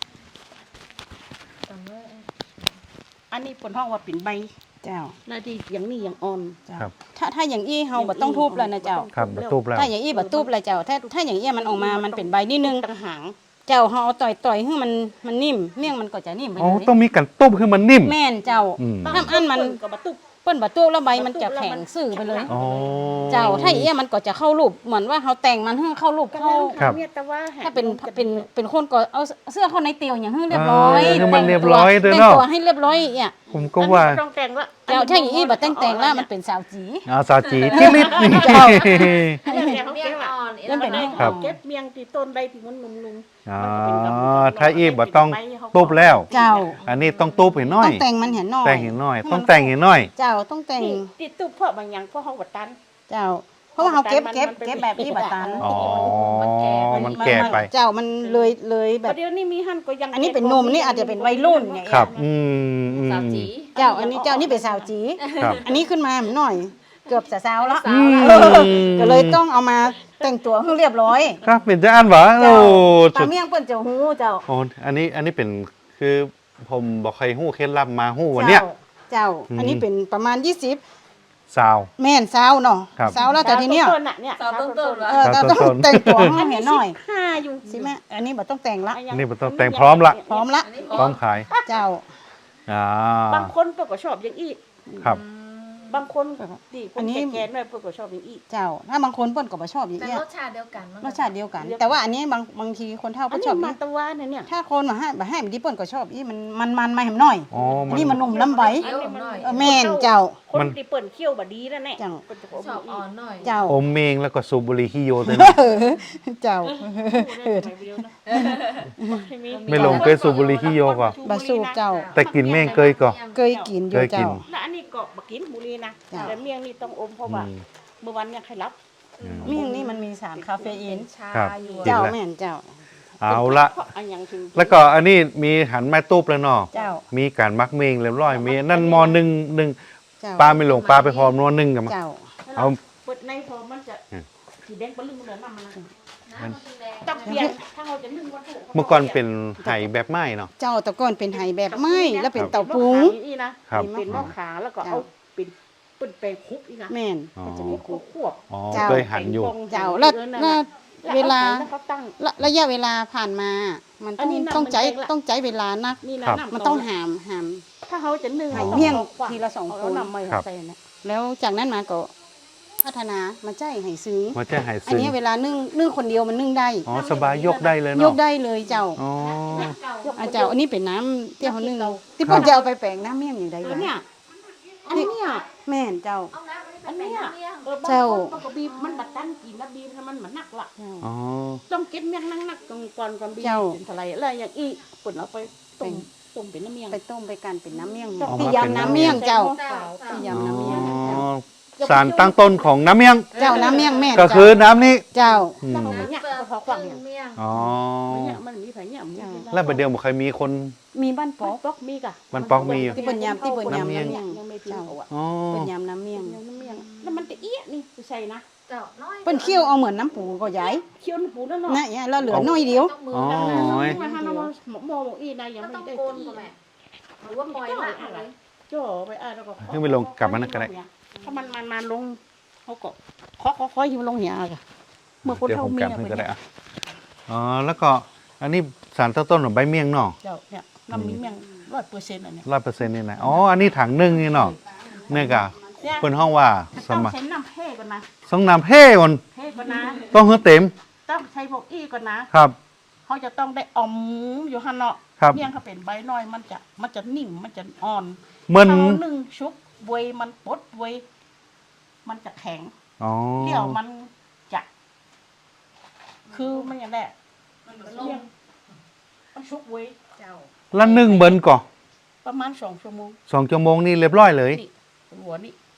[SPEAKER 2] อันนี้ปนห้องว่าปิ่นใบ
[SPEAKER 3] เจ้า
[SPEAKER 2] หน้าที่อย่างนี้อย่างอ่อน
[SPEAKER 3] เจ้า
[SPEAKER 1] ครับ
[SPEAKER 3] ถ้าถ้าอย่างอี้เฮาบ่ต้องทุบแล้วนะเจ้า
[SPEAKER 1] ครับมาตูบแล้ว
[SPEAKER 3] ถ้าอย่างอี้บ่ทุบแล้วเจ้า ถ้าถ้าอย่างอี้มันออกมามันเป็นใบนิดนึง
[SPEAKER 2] ต่างหาง
[SPEAKER 3] เจ้าเฮาเอาต่อยต่อยให้มันมันนิ่มเมี่ยงมันก็จะนิ่มไป
[SPEAKER 1] อ๋อ
[SPEAKER 3] เลย
[SPEAKER 1] ต้องมีกันตุ้มให้มันนิ่ม
[SPEAKER 3] แม่นเจ้า
[SPEAKER 1] อืม
[SPEAKER 3] น้ำอันมัน
[SPEAKER 2] ก็บะตุก
[SPEAKER 3] เปิ้นบ่ตุบแล้วใบมันจะแข็งซื่อไปเลย
[SPEAKER 1] อ๋อ
[SPEAKER 3] เจ้าถ้าอย่างอี้มันก็จะเข้ารูปเหมือนว่าเฮาแต่งมันให้เข้ารูปเข้า
[SPEAKER 1] ครับ
[SPEAKER 2] เนี่ยแต่ว่า
[SPEAKER 3] ถ้าเป็นเป็นเป็นคนก็เอาเสื้อเข้าในเตียวอย่างให้เรียบร้อย
[SPEAKER 1] เออให้มัน
[SPEAKER 3] แต่ง
[SPEAKER 1] เรียบร้อยเด้อ
[SPEAKER 3] แต่ง
[SPEAKER 1] เนาะ
[SPEAKER 3] ตัวให้เรียบร้อยเนี่ย
[SPEAKER 1] ผมก็ว่า
[SPEAKER 2] อันนี้บ่ต้องแต่งละ
[SPEAKER 3] เจ้าถ้าอย่างอี้บ่แต่งแต่งแล้วมันเป็นสาวจี
[SPEAKER 1] อาสาจีที่ลิบนี่
[SPEAKER 3] เจ้า
[SPEAKER 2] อันนี้เนี่ยเขา
[SPEAKER 5] เมี่ย
[SPEAKER 2] เก็
[SPEAKER 5] ง
[SPEAKER 2] บอะ
[SPEAKER 5] อ่อน
[SPEAKER 3] เล่นเป็นเมี่ยงอ่อน
[SPEAKER 1] ครับ
[SPEAKER 2] เก็บเมียงที่ต้นใดที่มันนุ่มๆ
[SPEAKER 1] อ๋อ
[SPEAKER 2] มันก็เป็นกับ
[SPEAKER 1] ถ้าอีบบ่ต้องตูบแล้ว
[SPEAKER 3] เจ้า
[SPEAKER 1] อันนี้ต้องตูบให้น้อ
[SPEAKER 3] ต้
[SPEAKER 1] ย
[SPEAKER 3] องแต่งมันเห็นหน่อย
[SPEAKER 1] แต่งให้น้อย ต้องแต่งให้น้อย
[SPEAKER 3] เจ้าต้องแต่ง
[SPEAKER 2] ที่ที่ตุกเพราะบางอย่างเพราะเขาบดตัน
[SPEAKER 3] เจ้า เพราะว่าเขาเก็บ
[SPEAKER 2] มัน
[SPEAKER 3] เก็บ
[SPEAKER 2] มันเป็น
[SPEAKER 3] เก็บแบบนี้บัตัน
[SPEAKER 1] อ๋อ
[SPEAKER 5] มันแก่
[SPEAKER 1] มันแก่ไป
[SPEAKER 3] เจ้ามันเลยเลยแบ
[SPEAKER 2] แต่
[SPEAKER 3] บ
[SPEAKER 2] เดี๋ยวนี้มีหั่นก็ยัง
[SPEAKER 3] อันนี้เป็นหนุ่มนี่อาจจะเป็นวัยรุ่นเนี่ย
[SPEAKER 1] ครับ อืมอืม
[SPEAKER 5] สาวจี
[SPEAKER 3] เจ้าอันนี้เจ้านี่เป็นสาวจี
[SPEAKER 1] ครับ
[SPEAKER 3] อันนี้ขึ้นมาหน่อย เกือบจะสาวแล้ว
[SPEAKER 1] อืม
[SPEAKER 3] ก็เลยต้องเอามาแต่งตัวให้เรียบร้อย
[SPEAKER 1] ครับเป็นจะอ่านหวะโอ้
[SPEAKER 3] เจ้า
[SPEAKER 1] จุ
[SPEAKER 3] ตา
[SPEAKER 1] ด
[SPEAKER 3] เมี่ยงเปิ้นเจ้าหูเจ้า
[SPEAKER 1] โอ้อันนี้อันนี้เป็นคือผมบอกใครหู้เคล็ดลับมาหู้วันเนี้ย
[SPEAKER 3] เจ้า
[SPEAKER 1] อืม
[SPEAKER 3] อันนี้เป็นประมาณยี่สิบ
[SPEAKER 1] สาว
[SPEAKER 3] แม่นสาวเนาะ
[SPEAKER 1] ครับ
[SPEAKER 3] สาวแล้วแต่ทีเนี้ย
[SPEAKER 2] ต้นๆน่ะเนี่ย
[SPEAKER 5] สาวต้นๆเหรอ
[SPEAKER 3] เออแต่ต้อง
[SPEAKER 1] ต้นๆ
[SPEAKER 3] แต่งตัวให้เห็นหน่อย
[SPEAKER 2] ห้าอยู่
[SPEAKER 3] สิแม่อันนี้บ่ต้องแต่งละ
[SPEAKER 2] ยัง
[SPEAKER 1] นี่มันต้องแต่งพร้อมละ
[SPEAKER 3] พร้อมละ
[SPEAKER 5] อันนี้
[SPEAKER 1] พร้อมขาย
[SPEAKER 3] เจ้า
[SPEAKER 1] อ่า
[SPEAKER 2] บางคนเพิ่นก็ชอบอย่างอี
[SPEAKER 1] ครับ
[SPEAKER 2] บางคนดีค
[SPEAKER 3] อั
[SPEAKER 2] น
[SPEAKER 3] นนี้
[SPEAKER 2] แก่ๆหน่อยเพิ่นก็ชอบอย่างอี
[SPEAKER 3] เจ้า ถ้าบางคนเปิ้นก็บ่ชอบอย่าง
[SPEAKER 5] แต่
[SPEAKER 3] เงี้ย
[SPEAKER 5] รสชาติเดียวกันมั้ง
[SPEAKER 3] รสชาติเดียวกัน แต่ว่าอันนี้บางบางทีคนเฒ่า
[SPEAKER 2] อัน
[SPEAKER 3] ก็ช
[SPEAKER 2] นี้
[SPEAKER 3] อบ
[SPEAKER 2] มา
[SPEAKER 3] นี่
[SPEAKER 2] ตะวานเนี่ย
[SPEAKER 3] ถ้าคนมาให้บ่ให้มันดิเปิ้นก็ชอบอีมันมันมันมาแหมหน่อย
[SPEAKER 1] อ๋อ
[SPEAKER 3] อั
[SPEAKER 1] มัน น
[SPEAKER 3] นี้มันนุ่มล้ำใบ
[SPEAKER 5] เคี้ยวหน่อย
[SPEAKER 3] เออแม่นเจ้า
[SPEAKER 2] คน
[SPEAKER 1] มัน
[SPEAKER 2] ที่เปิ่นเคี้ยวบ่ดีนั่นแหละ
[SPEAKER 3] เจ้า
[SPEAKER 2] เพิ่นจะ
[SPEAKER 5] ชอบอ่อนหน่อย
[SPEAKER 3] เจ้า
[SPEAKER 1] อมเมงแล้วก็สูบบุหรี่ฮิโยด้วยนะ
[SPEAKER 3] เออเจ้า
[SPEAKER 2] เออไม่รู้นะไม่มี
[SPEAKER 1] ไม่ลงเคยสูบบุหรี่ฮิโยก่อน
[SPEAKER 3] บาสูบเจ้า
[SPEAKER 1] แต่กินเมงเคยก่อน
[SPEAKER 3] เคยกินอยู่
[SPEAKER 1] เคยกิน
[SPEAKER 3] เจ้า
[SPEAKER 2] แล้วอันนี้ก็บ่กินบุหรี่นะ
[SPEAKER 3] จ้ะ
[SPEAKER 2] แต่เมี่ยงนี่ต้องอมเพราะว่า
[SPEAKER 1] อืม
[SPEAKER 2] เมื่อวันเนี่ยใครรับ
[SPEAKER 1] อืม
[SPEAKER 3] เมี่ยงนี่มันมีสารคาเฟอีน
[SPEAKER 5] ชา
[SPEAKER 1] ครับ
[SPEAKER 5] อยู่
[SPEAKER 1] กิน
[SPEAKER 3] เจ้า
[SPEAKER 1] แล้ว
[SPEAKER 3] แม่นเจ้า
[SPEAKER 1] เอาละ
[SPEAKER 2] เพราะอันอย่างถึง
[SPEAKER 1] แล้วก็อันนี้มีหันไม้ตูบแล้วเนาะ
[SPEAKER 3] เจ้า
[SPEAKER 1] มีการมักเมงเรียบร้อยมีนั่นมอหนึ่งหนึ่ง
[SPEAKER 3] เจ้า
[SPEAKER 1] ปลาไม่หลงปลาไปพร้อมนวหนึ่งกันมา
[SPEAKER 3] เจ้า
[SPEAKER 1] เอา
[SPEAKER 2] เปิดในพอมันจะ
[SPEAKER 1] อืม
[SPEAKER 2] สีแดงปะลึงเหลืองน้ำมันนะ
[SPEAKER 5] น้ำมันแดง
[SPEAKER 2] ต้องเปลี่ยนถ้าเราจะนึ่งวัตถุ
[SPEAKER 1] เมื่อก่อนเป็นไหแบบไม้เนาะ
[SPEAKER 3] เจ้าแตะก้อนเป็นไหแบบไม้แล้วเป็นเต่าปุง
[SPEAKER 2] อีนะครับ เป็นหม้อขาแล้วก็เอาเป็นเป็นแปลงคุกอีกนะ
[SPEAKER 3] แม่น
[SPEAKER 1] อ๋อ
[SPEAKER 2] มันจะมีคุกควบ
[SPEAKER 1] อ๋อ
[SPEAKER 3] เจ้า
[SPEAKER 1] เคยหันอยู่
[SPEAKER 3] เจ้าแล้วแล้วเวลา
[SPEAKER 2] แล้วเขาตั้ง
[SPEAKER 3] ระระยะเวลาผ่านมา มันต้อง
[SPEAKER 2] อันนี้น้ำ
[SPEAKER 3] ต้องใจ
[SPEAKER 2] มันแดงละ
[SPEAKER 3] ต้องใจเวลานัก
[SPEAKER 2] นี่นะครับ น้ำ
[SPEAKER 3] มันต้องหามหาม
[SPEAKER 2] ถ้าเขาจะนึ่ง
[SPEAKER 3] ไข่เมี่ยงทีละสอง
[SPEAKER 2] เอา
[SPEAKER 3] คน
[SPEAKER 2] น้ำไม่
[SPEAKER 1] ครับ
[SPEAKER 2] ใส่เนี่ย
[SPEAKER 3] แล้วจากนั้นมาก็พัฒนามาใจให้ซึ้ง
[SPEAKER 1] มันจะหาย
[SPEAKER 3] อัน
[SPEAKER 1] ซึม
[SPEAKER 3] นี้เวลานึ่งนึ่งคนเดียวมันนึ่งได้
[SPEAKER 1] อ๋อสบายยกได้เลย
[SPEAKER 3] ย
[SPEAKER 1] เนาะ
[SPEAKER 3] กได้เลยเจ้า
[SPEAKER 1] อ๋อ
[SPEAKER 3] อาเจ้าอันนี้เป็นน้ำที่เขานึ่งที่เพ่นจะเอาไปแปลงน้ำเมี่ยงอย่างใด
[SPEAKER 2] เออ
[SPEAKER 3] วะ
[SPEAKER 2] เนี่ยอันเนี้ย
[SPEAKER 3] แม่นเจ้า
[SPEAKER 5] เอาน้ำอั
[SPEAKER 2] อั
[SPEAKER 5] น
[SPEAKER 2] น
[SPEAKER 5] นี้
[SPEAKER 2] เนี้ย
[SPEAKER 5] เป็นน้ำเมี่ยง
[SPEAKER 2] เออบาง
[SPEAKER 3] เจ้า
[SPEAKER 2] คนมันก็บีบมันบัดตันกินแล้วบีบแล้วมันเหมือนหนักละ
[SPEAKER 1] อ๋อ
[SPEAKER 2] ต้องเก็บเมี่ยงนั่งนักก่อนก่อนก่อนบีบ
[SPEAKER 3] เจ้า
[SPEAKER 2] เป็นอะไรอะไรอย่างอีปุ่นเอาไปต้มต้มเป็นน้ำเมี่ยง
[SPEAKER 3] ไปต้มไปกันเป็นน้ำเมี่ยง
[SPEAKER 2] ต้อง
[SPEAKER 3] ที่ยำน้ำเมี่ยงเจ้า
[SPEAKER 5] เจ้า
[SPEAKER 3] ที่
[SPEAKER 5] เจ้า
[SPEAKER 3] ยำน้ำเมี่ยงเจ้า
[SPEAKER 1] สารตั้งต้นของน้ำเมี่ยง
[SPEAKER 3] เจ้าน้ำเมี่ยงแม่น
[SPEAKER 1] ก็คือน้ำนี้
[SPEAKER 3] เจ้า
[SPEAKER 1] อืม
[SPEAKER 2] ต้องเอาไปเนี่ยก็พอควักเนี่ย
[SPEAKER 5] เมี่ยง
[SPEAKER 1] อ๋อ
[SPEAKER 2] เนี่ยมันมีไผเนี่ยมันมี
[SPEAKER 1] แล้วประเดี๋ยวบ่เคยมีคน
[SPEAKER 3] มีบ้านป
[SPEAKER 2] ป๊
[SPEAKER 3] อ
[SPEAKER 2] อก
[SPEAKER 3] ก
[SPEAKER 2] ป๊อกมีกะ
[SPEAKER 1] มันป๊อกมีอยู่
[SPEAKER 3] ที่เปิ้นยำที่เปิ้นยำ
[SPEAKER 1] น้ำเมี่ยง
[SPEAKER 2] ยังไม่เพียงเขาอ่ะ
[SPEAKER 1] อ๋อ
[SPEAKER 3] เป็นยำน้ำเมี่ยง
[SPEAKER 2] ยังน้ำเมี่ยงแล้วมันจะเอี้ยนี่ใช่นะ
[SPEAKER 5] เจ้าน้อย
[SPEAKER 3] เปิ้นเคี่ยวเอาเหมือนน้ำปูก็ใหญ่
[SPEAKER 2] เคี้ยวหูแล้วเนาะ
[SPEAKER 3] นะเนี่ยแล้วเหลือน้อยเดียว
[SPEAKER 5] ต้องมือ
[SPEAKER 1] อ๋อ
[SPEAKER 5] กันนะ
[SPEAKER 2] มาหาเราหมอหมออีนายยัง
[SPEAKER 5] ก็
[SPEAKER 2] ไม่
[SPEAKER 5] ต้อง
[SPEAKER 2] ได้
[SPEAKER 5] โกนก็แม่หรือว่าปล่อยละอะไร
[SPEAKER 2] จ่อไปอ่ะแล้วก็
[SPEAKER 1] ให้มันลงกลับมานั่นก็ได้
[SPEAKER 2] ถ้ามันมันมันลงเขาก็เคาะเคาะเคาะให้มันลงเหี่ยค่ะเมื่อคน
[SPEAKER 1] เดี๋ยว
[SPEAKER 2] เท่า
[SPEAKER 1] ผม
[SPEAKER 2] เมี
[SPEAKER 1] ก
[SPEAKER 2] ย
[SPEAKER 1] ลับให้
[SPEAKER 2] ไป
[SPEAKER 1] ก็ได้
[SPEAKER 2] เนี่ย
[SPEAKER 1] อะอ๋อแล้วก็อันนี้สารตั้งต้นของใบเมี่ยงเนาะ
[SPEAKER 2] เจ้าเนี่ยน้ำมีเมี่ยงร้อยเปอร์เซ็นต์อันเนี้ย
[SPEAKER 1] ร้อยเปอร์เซ็นต์นี่นะอ๋ออันนี้ถังหนึ่งนี่เนาะเนี่ยกะเป็นห้องว่าส
[SPEAKER 2] ต้อง
[SPEAKER 1] มัย
[SPEAKER 2] ใช้น้ำเพ่ก่อนนะ
[SPEAKER 1] สองน้ำเพ่ก่อน
[SPEAKER 2] เพ่ก่อนนะ
[SPEAKER 1] ต้องให้เต็ม
[SPEAKER 2] ต้องใช้พวกอี้ก่อนนะครับ เขาจะต้องได้อมอยู่หันเนาะ
[SPEAKER 1] ครับ
[SPEAKER 2] เมี่ยงเขาเป็นใบน้อยมันจะมันจะนิ่มมันจะอ่อน
[SPEAKER 1] เหมือน
[SPEAKER 2] เขานึ่งชุบเวยมันปดเวยมันจะแข็ง
[SPEAKER 1] อ๋อ
[SPEAKER 2] เดี่ยวมันจะ คือมันอย่างแรกเมี่ยงมันชุบเวย
[SPEAKER 5] เจ้า
[SPEAKER 1] แล้วนึ่งเบิ้นก่อน
[SPEAKER 2] ประมาณสองชั่วโมง
[SPEAKER 1] สองชั่วโมงนี่เรียบร้อยเลย
[SPEAKER 2] นี่หัวนี่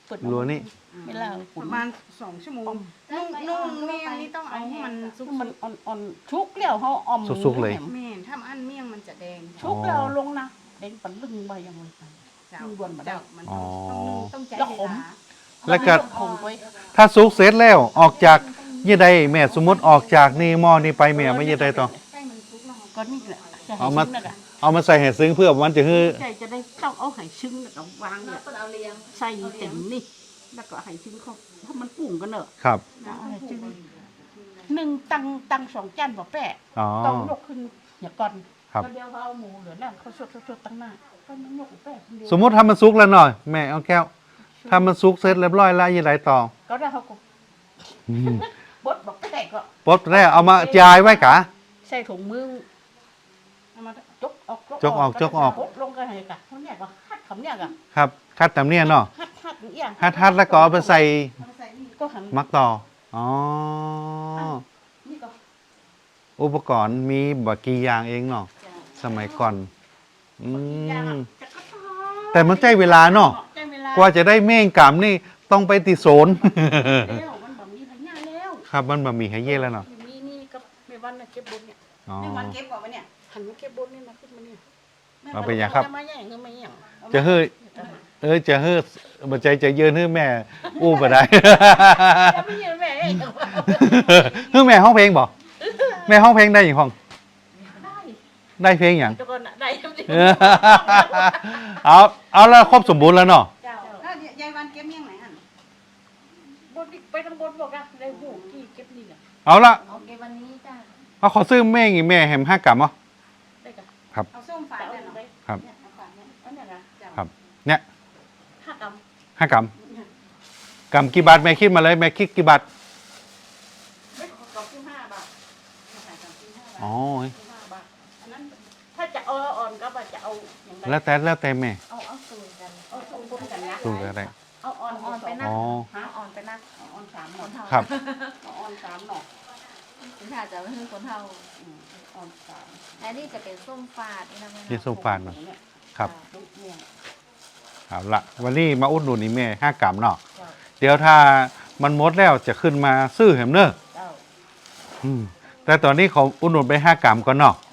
[SPEAKER 2] เปิด
[SPEAKER 1] รัวนี่
[SPEAKER 2] เวลา
[SPEAKER 3] ป
[SPEAKER 2] ขุน
[SPEAKER 3] ระมาณสองชั่วโมงนุ่งนุ่งเมี่ยงนี่ต้องเอาให้มันสุก
[SPEAKER 2] มันอ่อนๆชุกแล้วเขาออม
[SPEAKER 1] สุกๆเลย
[SPEAKER 2] แหม
[SPEAKER 3] แม่นถ้าอันเมี่ยงมันจะแดง
[SPEAKER 2] ชุกแล้วลงนะเด้งปันลึงไปยังไง
[SPEAKER 3] เจ้า
[SPEAKER 2] ลุงดวนมาได้
[SPEAKER 3] เจ้ามันต้องต้องต้องใจ
[SPEAKER 2] แล้ว
[SPEAKER 3] เว
[SPEAKER 2] ขม
[SPEAKER 3] ลา
[SPEAKER 1] แล้วก็
[SPEAKER 2] คงไว้
[SPEAKER 1] ถ้าสุกเสร็จแล้วออกจากยี่ใดแม่สมมติออกจากนี่หม้อนี่ไปแม่ไม่ยี่ใดต่อ
[SPEAKER 3] ให้มันสุกแล้ว
[SPEAKER 2] ก็นี่แหละจะให้
[SPEAKER 1] เอามา
[SPEAKER 2] ซึ้งนะกะ
[SPEAKER 1] เอามาใส่เห็ดซึ้งเพื่อมันจะคือ
[SPEAKER 2] ใจจะได้ต้องเอาไห้ซึ้งแล้วก็วางเนี่ย
[SPEAKER 5] เปิดเอาเลี้ยง
[SPEAKER 2] ใส่เต็มนี่แล้วก็ไห้ซึ้งเขาถ้ามันปุ่งกันเนอะ
[SPEAKER 1] ครับ
[SPEAKER 2] เอาไห้ซึ้งหนึ่งตังตังสองจานบ่แปะ
[SPEAKER 1] อ๋อ
[SPEAKER 2] ต้องยกขึ้นอย่าก่อน
[SPEAKER 1] ครับ
[SPEAKER 2] ก็เดี๋ยวเขาเอาหมูเหลือแล้วเขาสดๆๆตั้งหน้าก็มันยกแปะคนเดียว
[SPEAKER 1] สมมติถ้ามันสุกแล้วหน่อยแม่เอาแก้วถ้ามันสุกเสร็จเรียบร้อยแล้วยี่ใดต่อ
[SPEAKER 2] ก็ได้เขาก็
[SPEAKER 1] อืม
[SPEAKER 2] บดบอกแปะก็
[SPEAKER 1] ปุ๊บแรกเอามาจ่ายไว้กะ
[SPEAKER 2] ใส่ถุงมือเอามาจกออก
[SPEAKER 1] จกออกจกออก
[SPEAKER 2] บดลงกันให้กะเขาเนี่ยก็ฮัดคำเนี่ยกะ
[SPEAKER 1] ครับคัดตามเนี่ยเนาะ
[SPEAKER 2] ฮัดฮัดอย่าง
[SPEAKER 1] ฮัดฮัดแล้วก็เอาไปใส่
[SPEAKER 2] ก็หัน
[SPEAKER 1] มักต่ออ๋อ
[SPEAKER 2] นี่ก็
[SPEAKER 1] อุปกรณ์มีบกี่อย่างเองเนาะสมัยก่อนอื
[SPEAKER 2] อย่าง
[SPEAKER 1] ม
[SPEAKER 2] อะจะกระท้อ
[SPEAKER 1] แต่มันใช้เวลาเนาะ
[SPEAKER 2] ใช้เวลาก
[SPEAKER 1] ว่าจะได้เม่งกำนี่ต้องไปติโซน
[SPEAKER 2] แล้วมันแบบมีพญาแล้ว
[SPEAKER 1] ครับมันบะหมี่ให้เย่แล้วเนาะ
[SPEAKER 2] มีนี่ก็ไม่วันน่ะเก็บบนเนี่ย
[SPEAKER 1] อ๋อ
[SPEAKER 3] นี่มันเก็บก่อนวะเนี่ย
[SPEAKER 2] หันมาเก็บบนนี่นะขึ้นมาเนี่ย
[SPEAKER 1] เอาไปอย่างครับ
[SPEAKER 2] จะมาแย่งก็ไม่แย่ง
[SPEAKER 1] จะเฮ้ยเออจะเฮ้ยบัใจจะเยินเฮ้ยแม่ อู้บ่ได้
[SPEAKER 2] จะไม่แย่งแม่แย่ง
[SPEAKER 1] เฮ้ยแม่ห้องเพลงบ่แม่ห้องเพลงได้อย่างห้อง
[SPEAKER 2] ได้
[SPEAKER 1] ได้เพลงอย่าง
[SPEAKER 2] ทุกคนน่ะได้ทำดี
[SPEAKER 1] เออเอาเอาแล้วครบสมบูรณ์แล้วเนาะ
[SPEAKER 2] เจ้า
[SPEAKER 3] แล้วยายวันเก็บเมี่ยงไหนอัน
[SPEAKER 2] บนไปทางบนบอกอะได้หูที่เก็บนี่แหละ
[SPEAKER 1] เอาละ
[SPEAKER 5] โอเควันนี้จ้า
[SPEAKER 1] เอาขอซื้อแม่งอีแม่แหมห้ากรัมเหรอ
[SPEAKER 2] ได้กัน
[SPEAKER 3] เอาส้มฝาด
[SPEAKER 2] เอา
[SPEAKER 3] เลยเนาะ
[SPEAKER 2] ไป
[SPEAKER 1] ครับ
[SPEAKER 3] เนี่ยเอาฝาดเนี่ย
[SPEAKER 2] อันเนี้ยนะ
[SPEAKER 3] เจ้า
[SPEAKER 1] ครับ เนี่ย
[SPEAKER 2] ห้ากรัม
[SPEAKER 1] ห้ากรัมกรัมกี่บาทแม่คิดมาเลยแม่คิดกี่บาท
[SPEAKER 2] ไม่ขอขอบคุณห้าบาท
[SPEAKER 3] ขายสามสิบห้าบาท
[SPEAKER 1] อ๋อ
[SPEAKER 2] ห้าบาทอันนั้นถ้าจะเอาอ่อนก็ว่าจะเอาอย่างไร
[SPEAKER 1] แล้วแต่แล้วแต่แม่
[SPEAKER 5] เอาเอาสูตรกัน
[SPEAKER 2] เอาสองบนกันนะ
[SPEAKER 1] สู้ก็ได้
[SPEAKER 2] เอาอ่อน
[SPEAKER 5] อ่อนไปนะ
[SPEAKER 1] อ๋อ
[SPEAKER 2] หาอ่อนไปนะเอาอ่อนสามห
[SPEAKER 5] ค
[SPEAKER 2] น่อน
[SPEAKER 5] เท่า
[SPEAKER 1] ครับ
[SPEAKER 2] เอาอ่อนสามหน่อ
[SPEAKER 5] คุณชาจะไม่คือคนเท่า
[SPEAKER 2] อืมอ่อนสาม
[SPEAKER 5] และนี่จะเป็นส้มฝาดนี่นะแม่
[SPEAKER 1] ที่
[SPEAKER 5] นะ
[SPEAKER 1] ส้มฝาดเนาะ
[SPEAKER 2] เนี่ย
[SPEAKER 1] ครับ
[SPEAKER 2] ลูกเนี่ย
[SPEAKER 1] เอาละวันนี้มาอุดหนุนนี่แม่ห้ากรัมเนาะ
[SPEAKER 2] เจ้า
[SPEAKER 1] เดี๋ยวถ้ามันหมดแล้วจะขึ้นมาซื้อแหมเนอะ
[SPEAKER 2] เจ้า
[SPEAKER 1] อืมแต่ตอนนี้ขออุดหนุนไปห้ากรัมก่อนเนาะ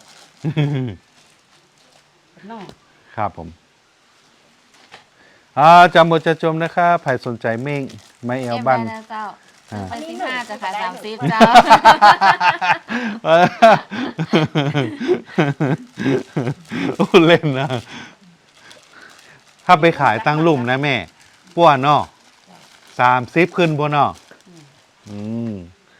[SPEAKER 2] เป็นน่อง
[SPEAKER 1] ครับผมอ่าจำบทจะจมนะครับใครสนใจเม่งไม่เอล
[SPEAKER 5] เอ็ม
[SPEAKER 1] บ้าน
[SPEAKER 5] ได้นะเจ้า
[SPEAKER 1] อ่า
[SPEAKER 5] ไปสิบห้าจะขายสามสิบเจ้า
[SPEAKER 1] เออโอ้เล่นนะถ้าไปขายตั้งลุ่มนะแม่ป้วนเนาะสามสิบขึ้นบนเนาะอืม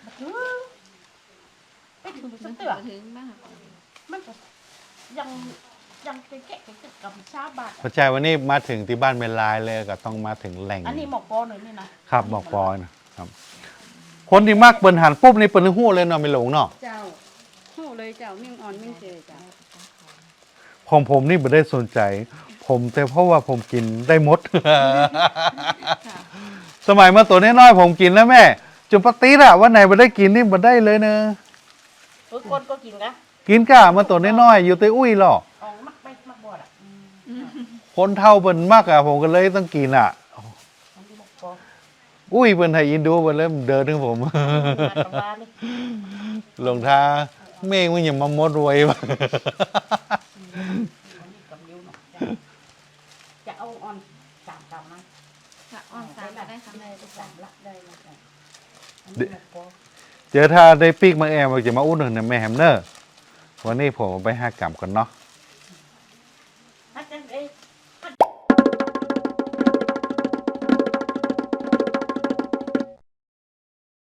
[SPEAKER 2] ไปถึงสเตือ
[SPEAKER 5] ถึงมาก
[SPEAKER 2] มันก็ยังยังแกะแกะแกะกับชาบาท
[SPEAKER 1] พอใจวันนี้มาถึงที่บ้านเมลายเลยก็ต้องมาถึงแหล่ง
[SPEAKER 2] อันนี้หมอกปอหน่อยนี่นะครับ
[SPEAKER 1] บอกปอยนะครับ คนที่มากเปินหันปุ๊บนี่เปินหู้เลยเนาะไม่หลงเนาะ
[SPEAKER 3] เจ้าหู้เลยเจ้าเมี่ยงอ่อนเมี่ยงเจเจ้า
[SPEAKER 1] ของผมนี่ไม่ได้สนใจ ผมแต่เพราะว่าผมกินได้หมด สมัยมาตัวน้อยๆผมกินแล้วแม่จุปติดอะวันไหนไม่ได้กินนี่ไม่ได้เลยเนอะ
[SPEAKER 2] เออคนก็กินกะ
[SPEAKER 1] กินก้ามาตัวน้อยๆอยู่แตอุ้ยหรอก
[SPEAKER 2] ออกมักไปมักบอดอ่ะ
[SPEAKER 1] คนเท่าเปิ่นมากอะผมก็เลยต้องกินอะ
[SPEAKER 2] อันนี้หมอกปอ
[SPEAKER 1] อุ้ยเปิ่นไทยอินดูเปิ่นเริ่มเดินถึงผม
[SPEAKER 2] มาตำรานี่
[SPEAKER 1] หลงทาเมฆมันอย่ามามดรวยวะ
[SPEAKER 2] อันนี้กับนิ้วหน่อยจะเอาอ่อนสามกรัมนะ
[SPEAKER 5] ค่ะอ่อนสามก็ได้ค่ะ
[SPEAKER 2] ได้สามละได้ละได้อันนี้หมอกปอ
[SPEAKER 1] เดี๋ยวถ้าได้ปีกมาแอมเราจะมาอุ้นหนึ่งนะแม่แฮมเนอร์วันนี้ผมเอาไปห้ากรัมก่อนเนาะ